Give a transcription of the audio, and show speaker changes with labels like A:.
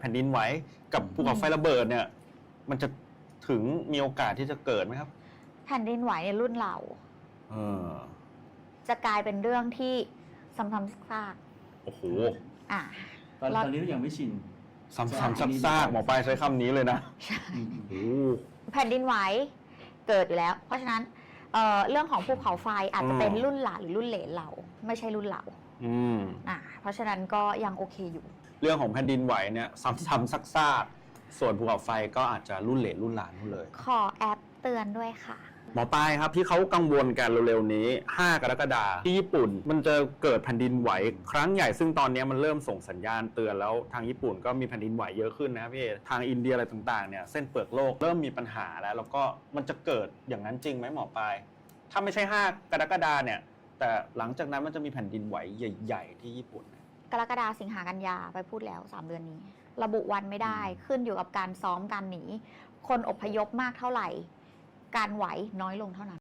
A: ผ่นดินไหวกับภูเขาไฟระเบิดเนี่ยมันจะถึงมีโอกาสที่จะเกิดไหมครับ
B: แผ่นดินไหวในรุ่นเราจะกลายเป็นเรื่องที่ซ้ำๆซาก
A: โอ้โห
C: ตอนนี้ก็ยังไม่ชิน
A: ซ้ำซากหมอปลายใช้คำนี้เลยนะ
B: ใช่แผ่นดินไหวเกิดอยู่แล้วเพราะฉะนั้นเรื่องของภูเขาไฟอาจจะเป็นรุ่นหลานหรือรุ่นเหลนเราไม่ใช่รุ่นเราเพราะฉะนั้นก็ยังโอเคอยู่
A: เรื่องของแผ่นดินไหวเนี่ยซ้ำซากส่วนภูเขาไฟก็อาจจะรุ่นเหลนรุ่นหลานนู่นเลย
B: ขอแอปเตือนด้วยค่ะ
A: หมอปลายครับที่เขากังวลกันเร็วๆนี้5 กรกฎาคมที่ญี่ปุ่นมันจะเกิดแผ่นดินไหวครั้งใหญ่ซึ่งตอนนี้มันเริ่มส่งสัญญาณเตือนแล้วทางญี่ปุ่นก็มีแผ่นดินไหวเยอะขึ้นนะพี่ทางอินเดียอะไรต่างๆเนี่ยเส้นเปลือกโลกเริ่มมีปัญหาแล้วก็มันจะเกิดอย่างนั้นจริงไหมหมอปลายถ้าไม่ใช่5 กรกฎาคมเนี่ยแต่หลังจากนั้นมันจะมีแผ่นดินไหวใหญ่ๆที่ญี่ปุ่น
B: กรกฎาคมสิงหากันยาไปพูดแล้ว3 เดือนนี้ระบุวันไม่ได้ขึ้นอยู่กับการซ้อมการหนีคนอพยพมากเท่าไหร่การไหวน้อยลงเท่านั้น